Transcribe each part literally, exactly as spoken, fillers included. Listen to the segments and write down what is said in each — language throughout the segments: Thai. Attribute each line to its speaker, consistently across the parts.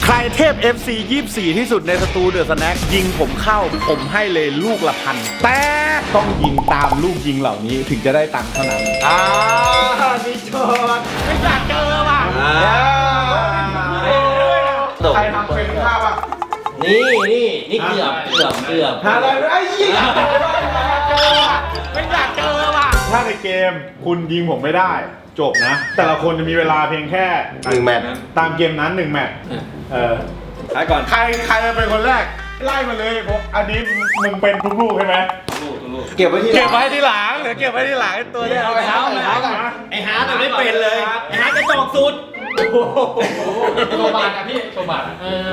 Speaker 1: รเทพ เอฟ ซี ยี่สิบสี่ ที่สุดในสตูเดอะสแน็คยิงผมเข้าผมให้เลยลูกละพันแต่ต้องยิงตามลูกยิงเหล่านี้ถึงจะได้ตังค์เท่านั้นอ่ามีโจทย์ไม่อยากเจอว่ะใครทำเป็นข้าวอ่ะ
Speaker 2: นี่นี่นี่เกือบเกือบเกือบ
Speaker 1: หาอะไรไอ้ยี่ไม่อยากเจอว่ะถ้าในเกมคุณยิงผมไม่ได้จบนะแต่ละคนจะมีเวลาเพียงแค่
Speaker 3: หนึ่งแมตช์
Speaker 1: ตามเกมนั้นหนึ่งแมตช์เออใครก่อนใครใครจะเป็นคนแรกไล่มาเลยเพราะอันนี้มึงเป็นทุกลูกใช่ไหม
Speaker 3: เก็บไว้ที่
Speaker 1: เก็บไว้ที่หลังเดี๋ยวเก็บไว้ที่หลังตัวเนี้ยเอาไปหาเอาไปหาก่อน
Speaker 2: ไอ้ฮาร์ดไม่เป็นเลยไอ้ฮาร์ดจะจอกสุดโชว์บาทอะพี่โชว์บาทเออ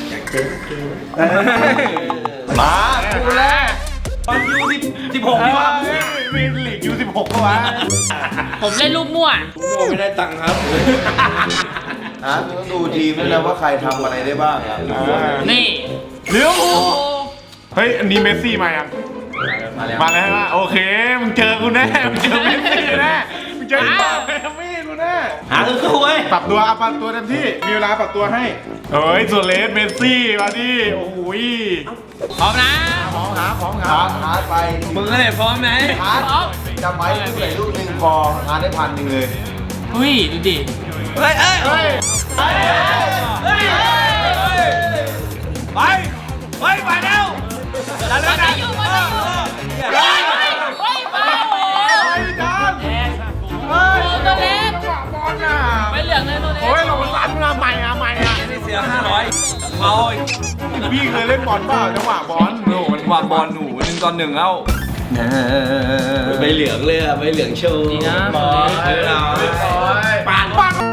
Speaker 1: มาดูแล
Speaker 2: ตอนยูสิบสิบหกที่ว่า
Speaker 1: มีหลีกยูสิบหกก็วะ
Speaker 4: ผมเล่นลูกมั่ว
Speaker 2: มั่วไม่ได้ตังค์ครับ
Speaker 3: ฮะต้องดูทีมด้วยนะว่าใครทำอะไรได้บ้างครับ
Speaker 4: นี่
Speaker 1: เดี๋ยวเฮ้ยอันนี้เมสซี่มายัง
Speaker 2: มาแล้ว
Speaker 1: มาแล้วใช่ไหมโอเคมึงเจอกูแน่มึงเจอเมสซี่แน่มึงเจอไอ้ไม่กูแน่
Speaker 2: หาคือคู่เว้ย
Speaker 1: ปรับตัวเอาปรับตัวเต็มที่มีเวลาปรับตัวให้เฮ้ยส่วนเลสเมสซี่มาดิโอ้โห
Speaker 4: พร้อมนะ
Speaker 1: พร้อมครับพร้อมค
Speaker 3: รั
Speaker 1: บ
Speaker 3: ฮาร์ดไป
Speaker 2: มึงก็เลยพร้อมไหม
Speaker 3: ฮาร์ดจำไว้ลูกไหนลูกหนึ่งพอฮาร์ดได้พันหนึ่งเลย
Speaker 4: อุ้ยดูดิ
Speaker 2: เฮ้ยเฮ้ยเฮ้ยเฮ้ยเฮ้ยไปไปไปเร็วแล้วแล้วกัน
Speaker 4: อยู่มาอยู่เฮ้ยเฮ้ยไปโอ้ยจานเฮ้ยตัวเล็ก
Speaker 1: บอลน่ะ
Speaker 4: ไม่เหลืองเลยตัวเล็ก
Speaker 1: โอ้ยลงมาสั่นมาใหม่อะใหม่อะ
Speaker 2: นี่เสียห้าร้อยเอา
Speaker 1: พี่เคยเล่นบอลเปล่าจังหวะบอล
Speaker 2: โอ้มันวางบอลหนูหนึ่งตอนหนึ่งเอ้าใบเหลืองเลยอะใบเหลืองโชว์
Speaker 4: ดีนะ
Speaker 2: บอลปานปาน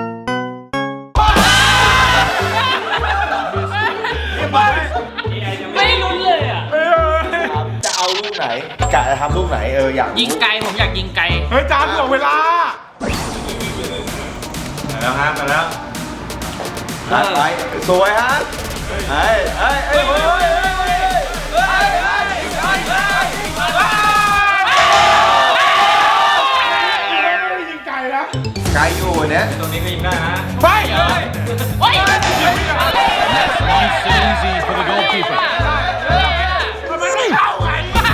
Speaker 4: ไม่ลุ้นเลยอ่ะ
Speaker 3: จะเอาลูกไหนกะจะทำลูกไหนเอออยาก
Speaker 4: ยิงไกลผมอยากยิงไกล
Speaker 1: เฮ้ยจานถ่วงเวลาแล้วฮะมาแล้ว
Speaker 3: ฮาร์ดไปสวยฮะเฮ้ยเฮ้ยเฮ้ยเฮ้ยเฮ้ย
Speaker 1: ยิงไกลนะ
Speaker 3: ไกลอยู่เนี่ย
Speaker 2: ตรงนี้ก็ยิงได้นะ
Speaker 1: ไป
Speaker 4: เฮ้ย
Speaker 5: easy for the goalkeeper
Speaker 1: ทำไมไม่เข้าไง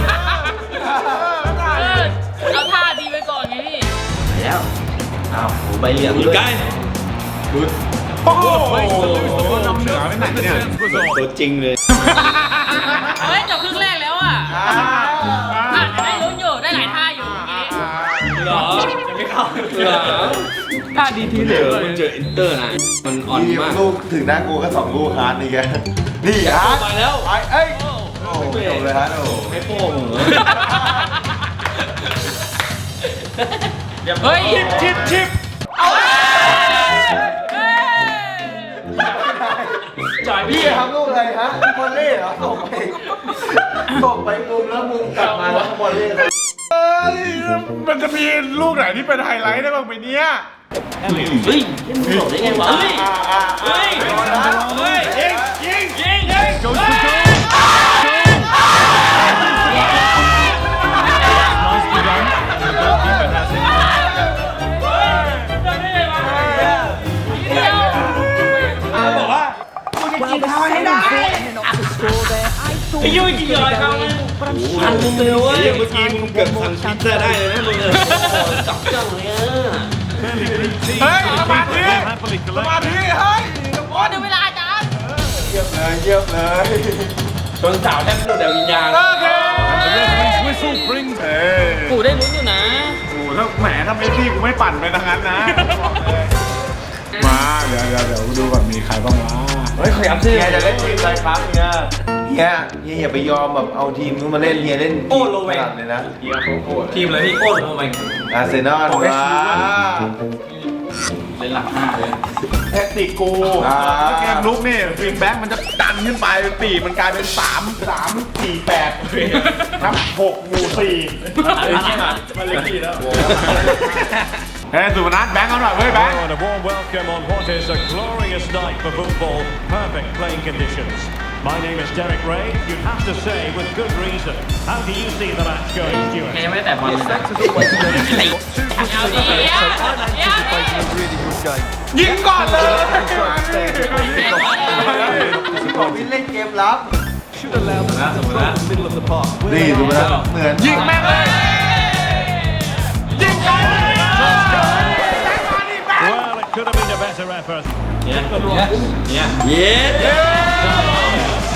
Speaker 4: เอาท่าดีไปก่อนไงพี่
Speaker 2: แล้วอ้าวใบเหลืองด้วย
Speaker 1: โอ้โหน้ำเหนือไม่ไหนเนี่ย
Speaker 2: ตัวจริงเลย
Speaker 4: เฮ้ยจบครึ่งแรกแล้วอ่ะได้ลุ้นอยู่ได้หลายท่าอยู่
Speaker 2: เหรอจะไม่เข้าเหรอท่าดีทีเหลือมันเจออินเตอร์นะมันอ่อนมาก
Speaker 3: ลูกถึงหน้ากูก็สองลูกฮาร์ดนี่แกนี่ฮาร์ด
Speaker 2: ไปแล้ว
Speaker 3: ไปเอ้ยโอ้จบเลยฮาร์ดโอ้
Speaker 2: ไม่โป้งเหรอ
Speaker 4: เฮ้ย
Speaker 1: ชิปชิปชิป
Speaker 4: เอา
Speaker 3: จ่ายพี่ทำลูกอะไรฮะบอลเล่เหรอตกไปตกไปมุมแล้วมุมกลับมาแล้วบอลเล่
Speaker 1: เฮ้ยมันจะมีลูกไหนที่เป็นไฮไลท์ได้บ้างไหมเนี่ย
Speaker 2: เฮ้ยมึงหลบได้ไงวะเฮ้ยเฮ้ยเฮ้ยยิงยิงยิงยิงโจโจโจบอกว่ามึงจะกินเขาให้ได้ไอ้ยูกินอะไรเขาเนี่ยพันมึงเลยเว้ยเมื่อกี้มึงเกือบสั่งพิซซ่าได้เลยนะมึงจับจังเลยอ่ะ
Speaker 1: เฮ้ยสมาธิสมาธิเฮ้ย
Speaker 4: โอ้ดูเวลาจ้า
Speaker 3: เยี่ยมเลยเยี่ยมเลย
Speaker 2: จนสาวแทบหลุดแต่วิญญาณ
Speaker 1: โอเค
Speaker 4: กูได้ลุ้นอยู่นะ
Speaker 1: กูถ้าแหมถ้าไม่พี่กูไม่ปั่นไปทางนั้นนะมาเดี๋ยวเดี๋ยวเดี๋ยวดูก่อนมีใครบ้างวะ
Speaker 2: เฮ้ยขยับสิ
Speaker 3: เฮียจะเล่นทีมอะไรครับเฮียเฮียเฮียอย่าไปยอมแบบเอาทีมนู้นมาเล่นเฮียเล่น
Speaker 2: โอ้โลเวง
Speaker 3: เลยนะ
Speaker 2: ทีมอะไรพี่โอ้โลเวง
Speaker 3: อาร์เซนอลว้า
Speaker 2: เล่นหลักห้าเลย
Speaker 1: แท็กติกกูเกมลุกนี่ฟินแบ็กมันจะดันขึ้นไปเป็นปีมันกลายเป็นสามสามสี่แปดครับหกหมู่สี่อะไรเงี้ยมันเลยกี่แล้วเฮ้ยสุพนัทแบงค์เอาหน่อยเว้ยแบงค์
Speaker 5: And a warm welcome on what is a glorious night for football. Perfect playing conditions. My name is Derek Ray. You'd have to say with good reason. How do you see the match going, Stuart?
Speaker 4: ยังไม่ได้แต่บอลเลยเอาดีอ่ะยิงก่อนเลย
Speaker 3: วินเล่นเกมลับ
Speaker 1: นี่ดูนะเหมือนยิงแม่งเลยยิงกัน
Speaker 5: Well, it could have been a better effort.
Speaker 2: เย้เย้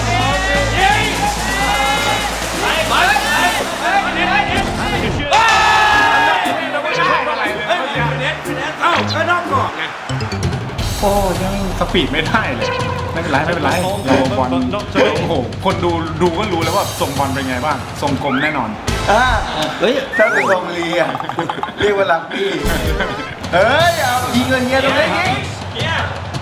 Speaker 2: เอ้าก็นอกกรอบไง
Speaker 1: โอ้ยังสปีดไม่ได้เลยไม่เป็นไรไม่เป็นไรโอ้บอลโอ้โหคนดูดูก็รู้แล้วว่าส่งบอลเป็นไงบ้างส่งกลมแน่นอน
Speaker 3: อ่า
Speaker 2: เฮ้ย
Speaker 3: ถ้าเป็นทรงลีอ่ะเรียกว่าลักบี้เฮ้ยเอายิงเงินเฮียตรงนี้ยิง
Speaker 1: เฮีย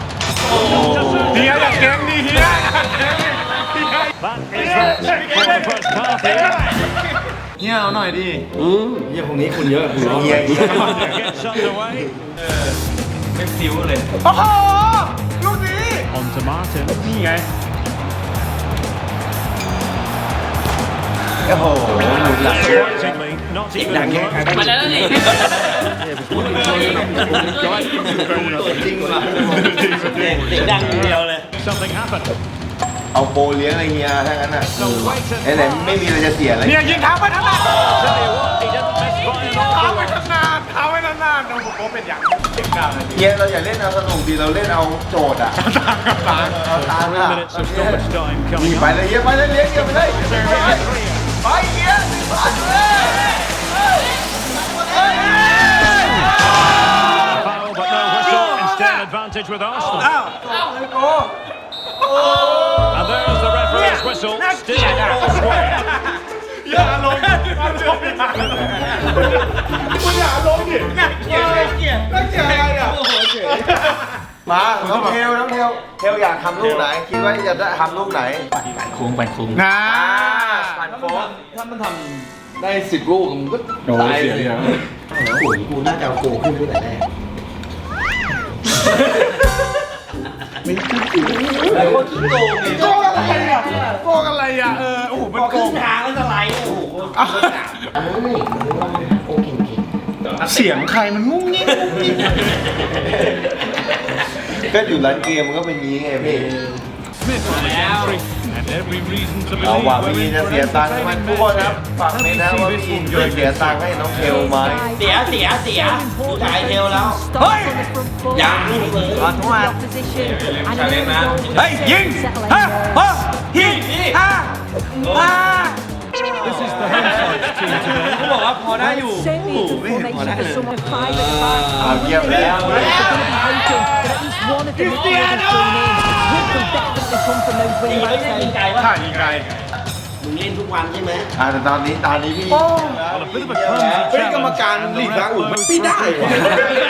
Speaker 1: อย่าเก่งดิเฮีย
Speaker 5: That is it for the first half here.
Speaker 1: เฮียเอาหน่อยดิ
Speaker 2: อืมเยี่ยพวกนี้คุณเยอะคุณร้อน
Speaker 3: เฮียเฮีย
Speaker 5: Gets underway.
Speaker 2: ไม่ฟิวเลย
Speaker 1: โอ้โหลูกนี้
Speaker 5: On to Martin.
Speaker 1: นี่ไง
Speaker 3: โอ้โหหลุดหลัง
Speaker 5: Surprisingly, not even close.
Speaker 4: มาแล้วนี่
Speaker 3: จริงว่ะ
Speaker 2: เสียงดังเดียวเลย
Speaker 5: Something happened.
Speaker 3: เอาโปเลี้ยงอะไรเฮียถ้างั้นอ่ะ
Speaker 5: So wait
Speaker 3: ไอ้ไหนไม่มีอะไรจะเสียเลย
Speaker 1: เนี่ยยิงเท้าไปทั้งนั้น
Speaker 5: Tell you what, he didn't miss by an
Speaker 1: เท้า
Speaker 5: awful
Speaker 1: ไป
Speaker 5: lot.
Speaker 1: ทั้งนานเท้าไปทั้งนานโอ้โหเป็นอย่างเก่งกาเลย
Speaker 3: เฮียเราอย่าเล่นเอาสนุกดีเราเล่นเอาโจทย์อ่ะ
Speaker 1: ตางกับตาง
Speaker 3: เอาตาม
Speaker 5: Three
Speaker 3: อ่ะ
Speaker 5: minutes of stoppage time
Speaker 3: นี่
Speaker 5: coming
Speaker 3: ไป
Speaker 5: up.
Speaker 3: เลยเฮียไปเลยเลี้ยงเฮียไปเลยไปเฮียไปเลย
Speaker 5: Foul, but no whistle. Instead, advantage with Arsenal.
Speaker 3: อ้าวโอ้
Speaker 5: And there's the referee's whistle. Still all square.
Speaker 1: อย่าลงอย่าลงคุณอย่าลงดิน่าเกลียดน่าเกลียดน่าเกลียดอะไรอ่ะ
Speaker 3: มาน้องเทลน้องเทลเทลอยากทำลูกไหนคิดว่าจะได้ทำลูกไหน
Speaker 2: โค้งไปโค้ง
Speaker 1: นะ
Speaker 3: ผ่านโค้ง
Speaker 2: ถ้ามันทำได้สิบลูกมันก็
Speaker 1: โอ้
Speaker 2: ตาย
Speaker 1: เสีย
Speaker 2: เลย
Speaker 1: เยอะ
Speaker 3: โอ้ยกูน่าจะเอาโค้งขึ้นตั้งแต่แรก
Speaker 2: ไอ้คนขี้โกงเนี่ย
Speaker 1: โกงอะไรอ่ะโกงอะไรอ่ะเออโอ้โหมัน
Speaker 2: พอ
Speaker 1: โก
Speaker 2: ขึ้
Speaker 1: ง
Speaker 2: นทางแล้วจะไล่โอ้โห
Speaker 1: เสียงใครมันงุ้งงิ้งงุ้งงิ้ง
Speaker 3: ก็อยู่ร้านเกมมันก็เป็นงี้ไงพี่
Speaker 5: Smith on the entry. And every reason to
Speaker 3: เอา
Speaker 5: believe
Speaker 3: ว่า
Speaker 5: we're
Speaker 3: พี่
Speaker 5: in
Speaker 3: จะ
Speaker 5: for
Speaker 3: เสีย
Speaker 5: an
Speaker 3: ตังค์ไหม
Speaker 5: entertainment
Speaker 3: ทุกคนครับ
Speaker 5: match.
Speaker 3: ฝากนี้นะว่าพี่จะเสียตังค์ให้น้องเทลไหม
Speaker 2: เสียเสียเสียดูถ่ายเทลแล้ว เฮ้ยยังลูกเลย
Speaker 3: ขอโทษ
Speaker 2: ชาเลนนะ
Speaker 3: เฮ้ยยิงฮ่าฮ่ายิงฮ่าฮ่า
Speaker 5: This is the home side's team today.
Speaker 2: เขาบอกว่าพอได้อยู่
Speaker 3: เอาเยี่ยมแล้ว
Speaker 2: ยิงไกลวะ
Speaker 1: ถ่ายยิงไกล
Speaker 2: มึงเล่นทุกวันใช่ไหม
Speaker 3: อ่าแต่ตอนนี้ตอนนี้พี่
Speaker 5: Well, a bit of a clumsy
Speaker 3: เฮ้ย
Speaker 5: challenge.
Speaker 3: กรรมการหลีกทางอุ่นไม่ได้วะ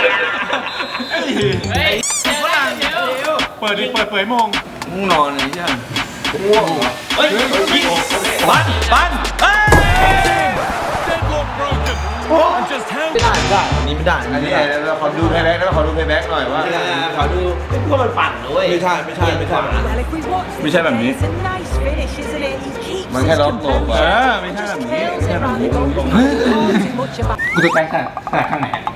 Speaker 4: เฮ้ยเดี๋ยวเดี๋ยว
Speaker 1: เปิดดิเปิดเผยโมง
Speaker 3: ง่วงนอนเลยใช่ไหมง่วงเหรอ
Speaker 2: เฮ้ยยิงปันปันเฮ้ย
Speaker 5: Deadlock broken. And just how
Speaker 3: ไม่ได้ไม่ได้อันนี้ไม่ได้อันนี้เราขอดูเพย์แบ็กนะขอดูเพย์แบ็กหน่อยว่า
Speaker 2: ขอดูพวกมันปั่นด้วย
Speaker 3: ไม่ใช่ไม่ใช่ไม่ใช่
Speaker 1: ไม่ใช่แบบนี้
Speaker 3: มันแค่ล็อกโตก
Speaker 1: เอ
Speaker 3: ว่า
Speaker 1: อไม่ใช่แบบนี้ไม่ใช่แบบนี้
Speaker 6: กูจะแปลงขนาดขนาดข้างไหนอะ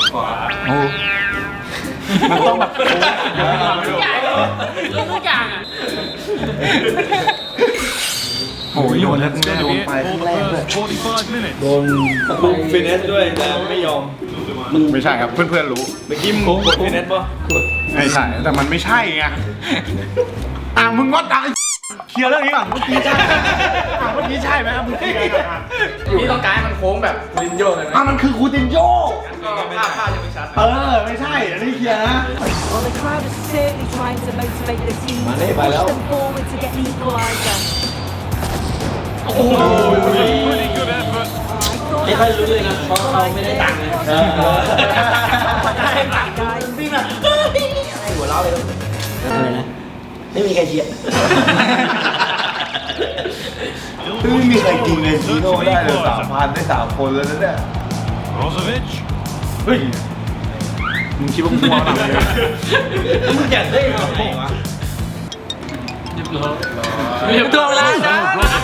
Speaker 1: มันต้องแบบโอ้เดี๋ยวมาไม่
Speaker 4: ทุ
Speaker 1: ดู
Speaker 4: กอย่างทุกอย่างอ่ะ
Speaker 1: โอ้ยโยนแล้ว
Speaker 5: it's
Speaker 1: ก็
Speaker 5: going
Speaker 1: โด
Speaker 5: to
Speaker 1: น
Speaker 5: be
Speaker 1: ไป
Speaker 5: it for the first forty-five minutes.
Speaker 2: โดนลูกฟินเนสด้วยแต่ไม่ยอม
Speaker 1: ไม่ใช่ครับเพื่อนๆรู้
Speaker 2: เมื่อกี้มึงกดฟินเนสป่ะ
Speaker 1: ไม่ใช่แต่มันไม่ใช่ไงอ่ะมึงงดอ่ะเคลียร์เรื่องนี้ก่อนเมื่อกี้ใช่อ่ะเมื่อกี้ใช่ไหมอ่ะมึงเคลียร์ก่อนอ่ะ
Speaker 6: พี่ต้องการให้มันโค้งแบบลินโยเลยไหม
Speaker 1: อ่ะมันคือคูตินโย
Speaker 6: ภาพภาพยังไม่ชัด
Speaker 1: เออไม่ใช่อันนี้เคลียร์นะ
Speaker 7: Well, the crowd is certainly trying to motivate the team to
Speaker 3: Mane,
Speaker 7: push
Speaker 3: Balao.
Speaker 7: them forward to get the equaliser.
Speaker 5: Pretty good effort.
Speaker 2: ไม่ค่อยรู้เลยนะเพราะเขาไม่ได้ตังค์เลยได้ตังค์วิ่งแบบให้หัวเราะเลยอะไรนะไม่มีใครเชียร์
Speaker 3: ไม่มีใครกินเงินซีโร่ได้เลยสามพันได้สามคนแล้วนะเนี่ย
Speaker 5: Brozovic.
Speaker 1: เฮ้ยมึงคิดว่ามึงมองหนังเลย
Speaker 2: มึงอยากได้ทำไงวะ
Speaker 4: เดี๋ยวตัวเวลาจ้า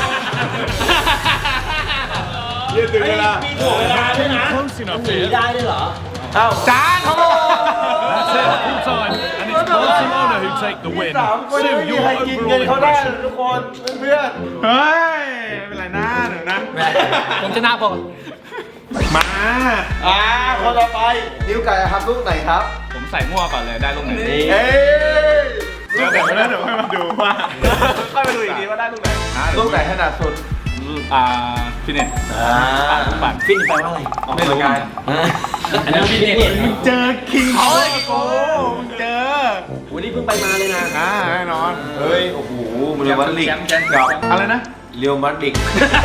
Speaker 1: เยี่ยตื่นเวลา
Speaker 2: มีถ่วงเวลาด้วยนะ
Speaker 5: Close enough
Speaker 2: หนี
Speaker 5: here.
Speaker 2: ได้ด้วยเหรอ
Speaker 1: เอ้าจานเขาบอก
Speaker 5: That's it. full time, and it's Barcelona who take the win.
Speaker 3: สามคนไม่
Speaker 5: Sue,
Speaker 3: มี
Speaker 5: your
Speaker 3: ใครกินเงิน
Speaker 5: overall
Speaker 3: เขาได้
Speaker 5: impression.
Speaker 3: ทุกคนเพื่อน
Speaker 1: เฮ้ยไม่เป็นไรนะเดี๋ยวนะ
Speaker 6: ผมชนะพอ
Speaker 1: มา
Speaker 3: อ่าคนต่อไปนิ้วไก่ทำลูกไหนครับ
Speaker 6: ผมใส่มั่วก่อนเลยได้ลูกไหน
Speaker 3: เอ้ย
Speaker 1: เดี๋ยวเดี๋ยวเดี๋ยวเดี๋ยวค่อยมาดูว่า
Speaker 3: ค่อยมาดูอีกทีว่าได้ลูกไหนลูกไหนถนัดสุด
Speaker 6: อ่าฟินเนต
Speaker 3: อ่า
Speaker 6: ปั่น
Speaker 2: ฟินแปลว่าอะไร
Speaker 3: ออกกำลังกาย
Speaker 2: อันนั้นฟินเนี่ย
Speaker 1: เจอคิงเขาโอ้มึงเจอ
Speaker 2: วันนี้เพิ่งไปมาเลยนะ
Speaker 1: อ่าแน่นอน
Speaker 3: เฮ้ยโอ้โหมันเรียลมาดริด
Speaker 6: แชมป์แชมป์
Speaker 3: กับ
Speaker 1: อะไรนะ
Speaker 3: เรียวมาดริด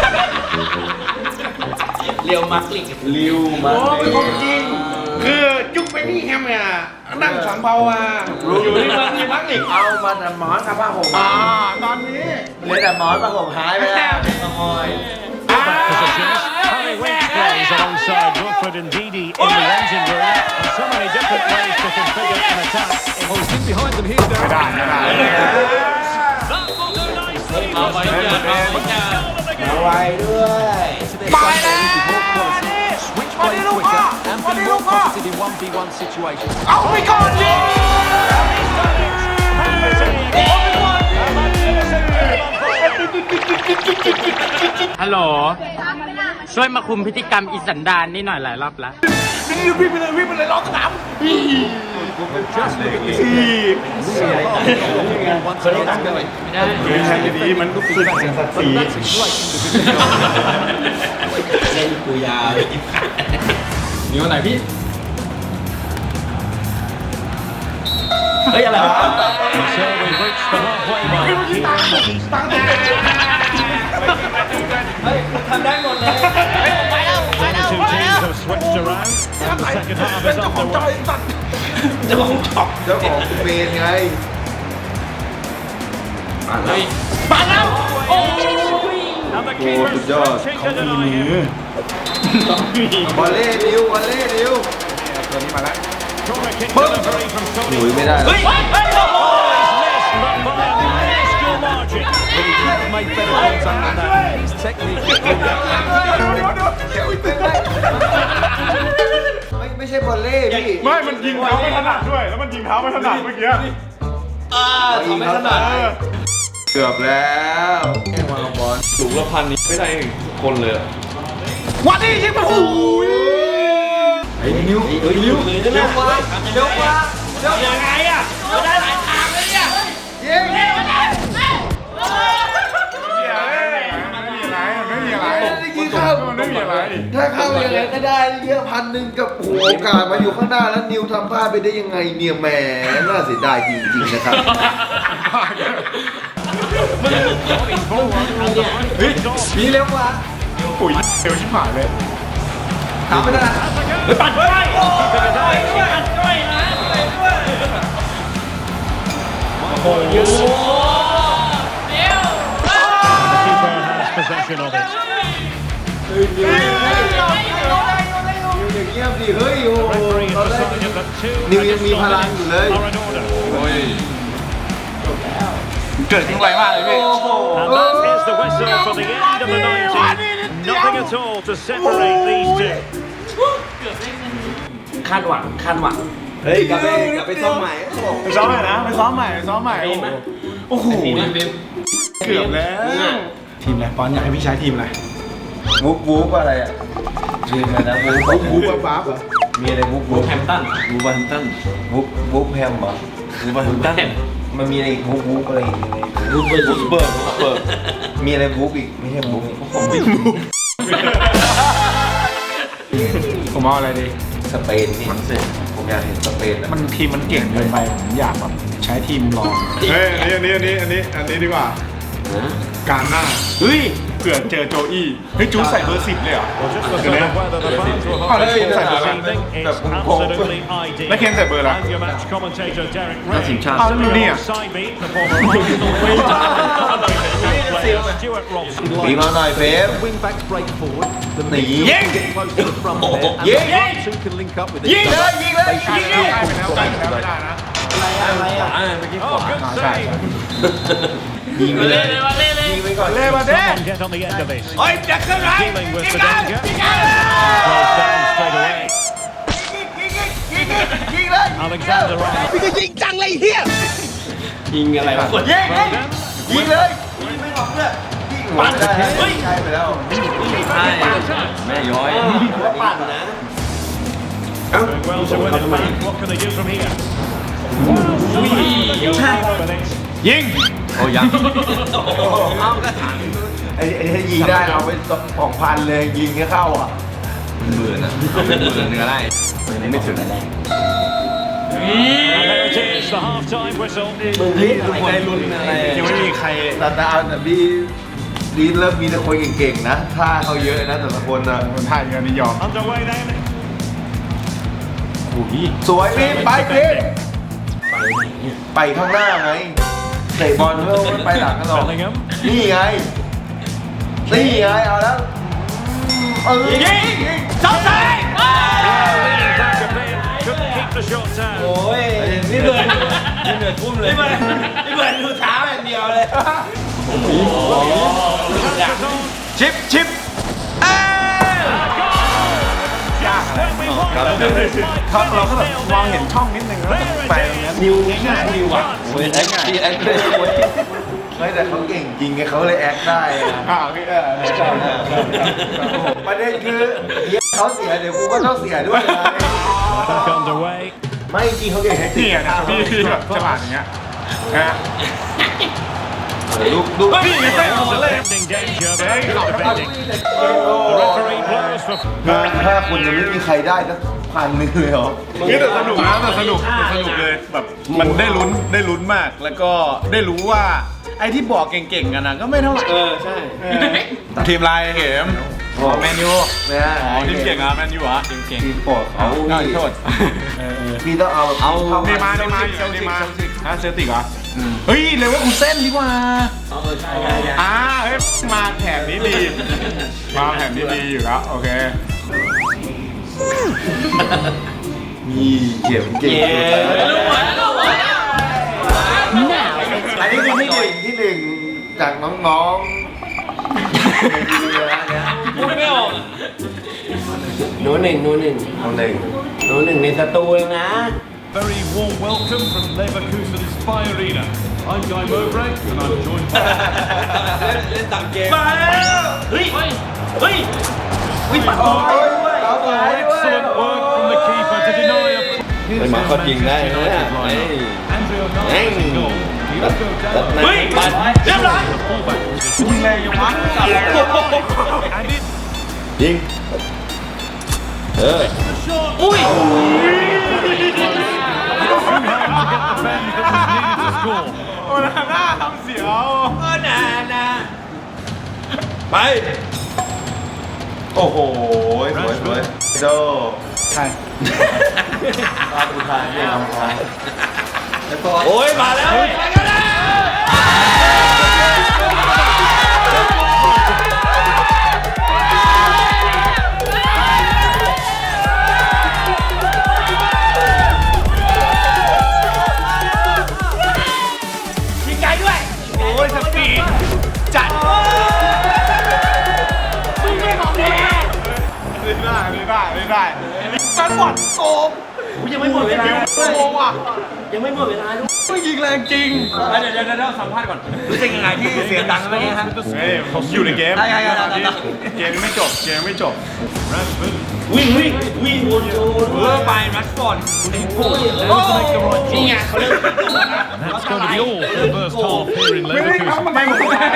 Speaker 2: เรียวมาร์กลิก
Speaker 3: เรียวมาดริด
Speaker 1: คือจุ๊กไปนี่แฮมเนี่ยนั่งสังเบาอ่ะอยู่ที่เมืองนี้พักอีก
Speaker 3: เอามาแต่หมอนกับผ้าห่ม
Speaker 1: อ่าตอนนี้
Speaker 3: เหลือแต่หมอนผ้าห่มหายไปแล้วขโมย
Speaker 5: Positions. Harry Winks plays alongside Wilfred and Didi in the engine room. And so many different ways to configure an attack. Oh, he's in behind them here.
Speaker 1: ไม่ได้ไม่ได้
Speaker 5: That will do nicely.
Speaker 2: เอาไปเยอะเอาไปเยอะ
Speaker 3: เอาไว้ด้วย
Speaker 1: ไปแล้วมาดิลูกพ่อมาดิลูกพ่อเอาไปก่อนดิ
Speaker 8: ฮัลโหล ช่วยมาคุมพฤติกรรมอิสันดานนี่หน่อยหลายรอบแล้ว
Speaker 1: นี่วิ่งไปเลยวิ่งไปเลยล้อสนามสี่แทนดีมันก็คือสัตว์สี
Speaker 2: เล่นกูยาว
Speaker 6: นิ้วไหนพี่
Speaker 2: เฮ้ยอะไรวะ
Speaker 5: So we've reached the halfway mark.
Speaker 2: ทำได้หมดเลย
Speaker 5: The two teams have switched around, and the second half is underway.
Speaker 2: เจ้าของช็อป
Speaker 3: เจ้าของเมนไง
Speaker 5: And the keeper
Speaker 3: good job.
Speaker 5: stretching to deny him.
Speaker 3: วอลเล่นิ้ววอลเล่นิ้ว
Speaker 1: ตัวนี้มาแล้ว
Speaker 5: Corner kick delivery from
Speaker 3: ห
Speaker 5: Tony.
Speaker 3: นุยไม่ได้
Speaker 2: เฮ้ยเฮ้ยเฮ้ยโอ้โห
Speaker 5: Missed, but by a minuscule margin.
Speaker 3: ไม่ไม่ใช่วอลเล่พี่
Speaker 1: ไม่มันยิงเท้าไม่ถนัดด้วย แล้วมันยิงเท้าไม่ถนัดเมื่อกี้
Speaker 2: อ่าทำไม่ถนัด
Speaker 3: เกือบแล้วแค่วางบอล
Speaker 1: สูงละพันนี้ไม่ได้คนเลยวันนี้ยิงมาหูย
Speaker 3: ไอ้นิ้วไอ้นิ้วเร็วกว่าเร็วกว่าเร็ว
Speaker 2: ยังไงอ่ะเราได้หลายทางเลยเนี่ย
Speaker 3: ยิง
Speaker 1: ไม่มีอะไรไม่มีอะไรไม่มีอะไร
Speaker 3: ยิงเข้า
Speaker 1: มันไม่มีอะไร
Speaker 3: ถ้าเข้าอย่างไรก็ได้เยอะพันหนึ่งกับโอ้โหโอกาสมาอยู่ข้างหน้าแล้วนิวทำพลาดไปได้ยังไงเนี่ยแหมน่าเสียดายจริงๆนะครับ
Speaker 1: เฮ้ย
Speaker 3: มีเร็วกว่า
Speaker 1: ปุ๋ยเร็วชิบหายเลย
Speaker 3: ถามไม่ได้
Speaker 2: ปั่นด้วยปั่นด้วยปั่นด้วยนะโอ้โห
Speaker 5: The keeper has possession of it.
Speaker 3: อย่างเงี้ยสิเฮ้ยโอ้โห
Speaker 5: Referee
Speaker 3: ตอน
Speaker 5: has
Speaker 3: แรก
Speaker 5: decided that two
Speaker 3: นิวยังมีพลังอยู่เลย
Speaker 5: are in order.
Speaker 6: เกิดทิ้งไวมากเลยพี่
Speaker 5: And that is the whistle for the end of the ninety. Nothing at all to separate these two.
Speaker 2: คาดหวังคาดหวัง
Speaker 3: เฮ้ยกลับไปกลับไปซ้อมใหม่
Speaker 1: ไปซ้อมใหม่นะไปซ้อมใหม่ไปซ้อมใหม่โอ้โหเกือบแล้วทีมอะไรปอนอยากให้พี่ใช้ทีมอะไร
Speaker 3: วูบวูบอะไรอ่ะชื่ออะไรนะวูบ
Speaker 1: บู๊บ้าเหรอ
Speaker 3: มีอะไรวูบวูบ
Speaker 2: แฮมตัน
Speaker 3: วูบแฮมตันวูบวูบแฮมเหรอวูบแฮมตันมันมีอะไรอีกวูบวูบอะไรอีก
Speaker 2: รูปเบอร์
Speaker 3: วูบเบิร์กวูบเบิร์กมีอะไรวูบอีกไม่ใช่วูบผมไม่รู้
Speaker 1: ผมเอาอะไรดี
Speaker 3: สเปนนี่ผมอยากเห็นสเปนอะ
Speaker 1: มันทีมมันเก่งเกินไปผมอยากแบบใช้ทีมรองเฮ้ยอันนี้อันนี้อันนี้อันนี้อันนี้ดีกว่าการหน้าเฮ้ยเผื่อเจอโจอี้เฮ้ยจูใส่เบอร์สิบเลยเหรอ
Speaker 5: Well, just the sort of weather the fans were
Speaker 1: Oh, let's
Speaker 5: hoping
Speaker 1: see,
Speaker 5: for
Speaker 1: let's
Speaker 5: this
Speaker 1: see.
Speaker 5: evening. It's
Speaker 3: That's cool.
Speaker 5: absolutely ideal.
Speaker 1: แล้วเคนใส่เบอร์อะไร
Speaker 5: And your match commentator Derek Ray.
Speaker 1: เอาแล้วดูนี่อ่ะ
Speaker 5: Side-beat, the former Arsenal winger. Player Stuart Robson.
Speaker 3: ปีมาหน่อยเฟม
Speaker 9: Wing backs break forward. The
Speaker 3: หนี
Speaker 9: mid
Speaker 3: ยิง
Speaker 9: get close to the front there. And
Speaker 3: Yeah.
Speaker 9: the one two can link up with
Speaker 3: ยิง
Speaker 9: it.
Speaker 3: เลยยิงเลยยิงเลย
Speaker 1: ใกล้ไปแล้วใกล้ไปแล้วไม่ได้นะ
Speaker 5: Oh, good save.
Speaker 3: ยิงไปเลย
Speaker 2: เลยมาเล่เลย
Speaker 3: ยิงไปก่อน
Speaker 1: เล่มาเด้
Speaker 5: Someone get on the end of this.
Speaker 2: โอ้ยจะขึ้นไร
Speaker 5: Dealing with the danger. Closed down straight away.
Speaker 3: ยิงเลยยิง
Speaker 5: Alexander Arnold.
Speaker 3: พี่ก็ยิงจังเลยเฮีย
Speaker 2: ยิงอะไรวะ
Speaker 3: ยิงยิงเลยยิงไม่ออกเลยปั่นได้เฮ้ยใช่ไปแล้ว
Speaker 2: ใช่แม่ย้อยปั่นนะ
Speaker 5: Doing well to win it back. What can they do from here?
Speaker 1: ยิง
Speaker 2: โอ้ยังเอาก็ถาม
Speaker 3: ไอ้ไอ้ที่ยิงได้เอาไปสองพันเลยยิงให้เข้าอ่ะ
Speaker 2: เบื่อนะเป็นเบื่อเนื้อไล่ไม่ถึง
Speaker 5: And there it is, the half-time whistle.
Speaker 2: มึงรีบอะไรได้ลุ้นอะไร
Speaker 1: ยังไม่มีใคร
Speaker 3: แต่แต่เอาแต่พี่ดีนเริ่มมีแต่คนเก่งๆนะท่าเขาเยอะนะแต่ละคนนะ
Speaker 1: คนไทยกันนี่ยอม
Speaker 5: Underway then.
Speaker 3: สวยพี่ไปพี่ไปข้างหน้าไงเตะบอลเพื่อไม่ไปหลังกันหรอก
Speaker 5: Bellingham.
Speaker 3: นี่ไงนี่ไงเอาแล้วเออยิง
Speaker 5: Back a bit. Couldn't keep the shot down.
Speaker 2: โอ้ยนี่เบิร์นนี่เบิร์นทุ่มเลยนี่เบิร์นนี่เบิร์นดูเท้าอย่างเดียวเลย
Speaker 1: ชิปชิป
Speaker 5: When we won
Speaker 1: ครับเราก็แบบมองเห็นช่องนิดนึงแล้วไปตรงนี้
Speaker 2: นิวง่ายนิวอ่ะโอ้ยแอคทีแอคเลย
Speaker 3: เฮ้ยแต่เขาเก่งจริงไงเขาเลยแอคได้อะ
Speaker 1: อ่าโอเคเออ
Speaker 3: ประเด็นคือเดี๋ยวเขาเสียเดี๋ยวกูก็ต้องเสียด้วยนะ
Speaker 5: back underway.
Speaker 3: ไม่จริงเขาเก่งแท็กติ
Speaker 1: นี่
Speaker 3: ก
Speaker 1: อ่ะนะพี่พี่แบบจังหวะอย่างเงี้ยนะ
Speaker 3: ลูกลูก
Speaker 1: นี่ไงเต้นหัวเลย
Speaker 5: Defending danger.
Speaker 1: เฮ้ย
Speaker 5: Defending. The referee blows for
Speaker 3: ถ้าคุณจะไม่มีใครได้สักพันหนึงเลยเหรอ
Speaker 1: นี่แต่สนุกนะแต่สนุกแต่สนุกเลยแบบมันได้ลุ้นได้ลุ้นมาก แล้วก็ได้รู้ว่าไอ้ที่บอกเก่งๆกันนะก็ไม่เท่าไหร่
Speaker 2: เออใช่
Speaker 1: ทีมลายเข็มอ๋อแมนยู
Speaker 3: เนี่ย
Speaker 1: อ๋อทีมเก่งอ่ะแมนยูเหรอทีมเก่ง
Speaker 3: ทีมโปรดเขา
Speaker 1: น่าโทษ
Speaker 3: พี่ต้องเอาเอาเข้า
Speaker 1: เนมาเนมาเนมาฮะเซลติกเหรอเฮ้ยเลเวอร์คูเซ่นดีกว่า
Speaker 2: เออใช่ใช่ใช่
Speaker 1: อ่าเฮ้ยมาแถบนี้ดีมาแถบนี้ดีอยู่แล้วโอเค
Speaker 3: มีเข็มเก่ง อันนี้คือที่หนึ่งที่หนึ่งจากน้องๆในดีนะเนี่ย
Speaker 2: พูดไม่ออกโน้หนึ่งโน้หนึ่ง
Speaker 3: น้องหนึ่ง
Speaker 2: โน้หนึ่งในสตูเองนะ
Speaker 5: very warm welcome from Leverkusen Spy Arena. I'm Guy Mowbray and I'm joined by
Speaker 2: เล่นตามเกมมาแล้วเฮ้ยเฮ้ยเฮ้ยวิปัสสนาด้วย
Speaker 5: excellent work from the keeper to deny a
Speaker 2: เป็นมาเขายิงได้นะเนี่ย
Speaker 5: Andrea
Speaker 2: แม่ง
Speaker 5: Nani goal. Diogo
Speaker 2: ตัด
Speaker 5: Dalot
Speaker 2: หน้าปัดเรียบร้อย
Speaker 5: the fullback position.
Speaker 1: ยิงแรงยังวะ
Speaker 5: And it
Speaker 2: ยิงเออ
Speaker 5: อุ้ย Too hard to get the bend that was needed to score.
Speaker 1: โอ้หน้าทำเสียว
Speaker 2: เออนานาไป
Speaker 3: โอ้โหสวยสวยโด
Speaker 1: ใช่
Speaker 3: ตาดูทางเนี่ยทาง
Speaker 2: โอ้ยมาแล้วไปกันแล้วยิงไกลด้วยโอ้ยสปีดจัดมึงไม่ของแท้
Speaker 1: ได้ได้ได้ได้มันหมดโกง
Speaker 2: ยังไม่หมดเวลา
Speaker 1: โกงว่ะ
Speaker 2: ยังไม่หมดเวลาด้วย
Speaker 1: ไม่ยิงแรงจริง
Speaker 2: เดี๋ยวเดี๋ยวเดี๋ยวสัมภาษณ์ก่อนรู้สึกยังไงที่เสียตังค์เมื่อกี้ครับ
Speaker 1: เฮ้ยผมอยู่ในเกม
Speaker 2: ใช่ใช่ใช่ใช่
Speaker 1: เกมไม่จบเกมไม่จบ
Speaker 5: Rashford
Speaker 2: วิ่งวิ่งวิ่งวนโยนเพื่อไปรัชฟอร์ดโอ้ย
Speaker 5: fails to make the right
Speaker 2: นี่ไง
Speaker 5: choice.
Speaker 2: เขาเริ่ม
Speaker 5: And that's going to be all for the first half here in
Speaker 1: ไม่ได้
Speaker 5: Leverkusen.
Speaker 1: ทำไม่หมด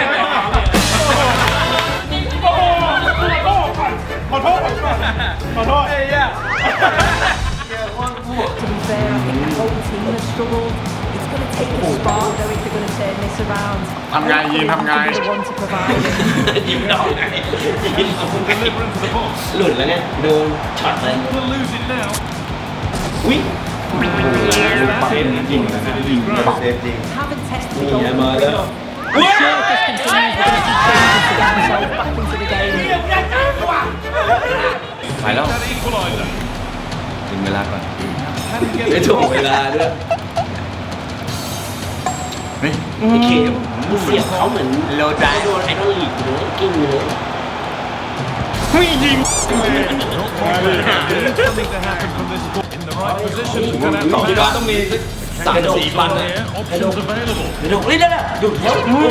Speaker 1: ขอโทษขอโทษเอ้ย
Speaker 7: To be fair, I think the whole team has struggled. It's going to take a spark, though, if they're going to turn this around.
Speaker 1: ทำไงยินทำไง
Speaker 7: Be the one to provide it.
Speaker 2: ยิงดอกไง
Speaker 5: Deliver into the box.
Speaker 2: หลุดแล้วเนี่ยโดนช็อตเลย
Speaker 5: Will lose it now.
Speaker 2: วิ่งเซฟยิงยิง
Speaker 3: เซฟจริง
Speaker 7: Haven't tested
Speaker 2: นี่
Speaker 7: the
Speaker 2: ไง
Speaker 7: goal.
Speaker 2: มาแล้ว
Speaker 7: Sure, if this continues, we're going to see changes to get themselves back into the game.
Speaker 2: ไปแล้ว
Speaker 5: That equaliser.
Speaker 2: ถึงเวลาก่อน
Speaker 5: Can he get
Speaker 2: ไม่
Speaker 5: it?
Speaker 2: ถูกเวลาด้วยไอ้เคมเสียบเขาเหมือนโลดาโดนไอดอลลีกเลยกิ้งเลย
Speaker 5: Not more than something to happen from this ball. the right position to connect
Speaker 2: สอง
Speaker 5: the
Speaker 2: ที่บ้านต้องมีสามสี่พันเลย
Speaker 5: here. Options available.
Speaker 2: เดี๋ยวดูนี่นั่นน่ะดูเดี๋ยวโอ้โห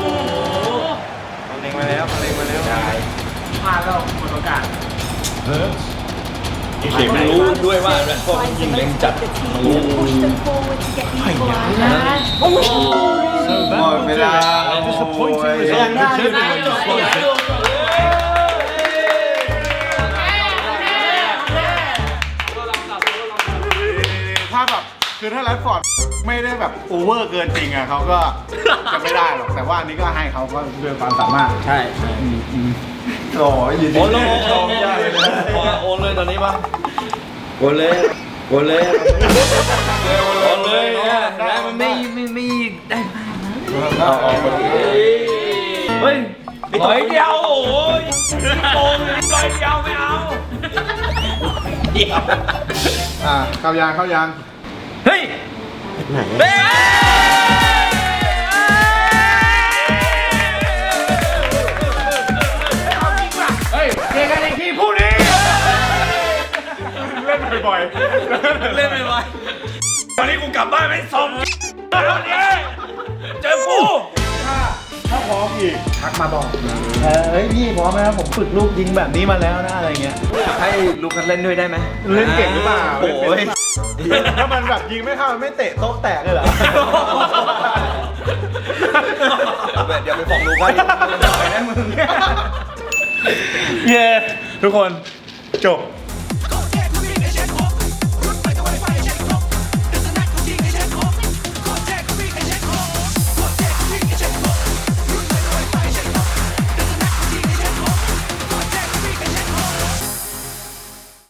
Speaker 1: เล็งมาแล้วเล็งมาแล้ว
Speaker 6: พลาดแล้วหมดโอกาส
Speaker 5: Hurts.
Speaker 2: เข็มรู้ด้วยว่าแรดฟอร์ดยิงเล็งจัด
Speaker 7: The team to push them forward to get the equaliser.
Speaker 5: So
Speaker 1: หม
Speaker 5: that
Speaker 1: ด
Speaker 5: will
Speaker 1: เว
Speaker 5: do
Speaker 1: ลา
Speaker 5: it. A disappointing result for Germany despite it.
Speaker 1: ถ้าแบบคือถ้าแรดฟอร์ดไม่ได้แบบโอเวอร์เกินจริงอ่ะเขาก็จะไม่ได้หรอกแต่ว่าอันนี้ก็ให้เขาก็ด้วยความสามารถ
Speaker 8: ใช่
Speaker 1: โอ้ยยินดี
Speaker 2: โอนเลย
Speaker 1: ชมยากเลยนะ
Speaker 2: โอนเลยตอนนี้ป่ะโอนเลยโอนเลยโอนเลยได้มันไม่ไม่ไม่ได้เอาออกมาเฮ้ยร้อยเดียวโอ้ยโกงร้อยเดียวไม่เอาเดียว
Speaker 1: อ่าเข้ายางเข้ายาง
Speaker 2: เฮ้ยเฮ้ย
Speaker 1: เฮ้ยเจอกันอีกทีพรุ่งนี้เล่นบ่อยๆ
Speaker 2: เล่นไปไววันนี้กูกลับบ้านไม่ส่งวันนี้เจอกู
Speaker 1: ถ้าพร้อมอีกทักมาบอก
Speaker 3: เฮ้ยพี่พร้อมไหมครับผมฝึกลูกยิงแบบนี้มาแล้วนะอะไรเงี้ย
Speaker 2: อยากให้ลูกกันเล่นด้วยได้ไหม
Speaker 1: เล่นเก่งหรือเปล่า
Speaker 2: โอ้ย
Speaker 1: ถ้ามันแบบยิงไม่เข้ามันไม่เตะโต๊ะแตกเลยเหรอ
Speaker 2: เดี๋ยวไปฟ้องลูกกัน
Speaker 1: เย้ทุกคนจบ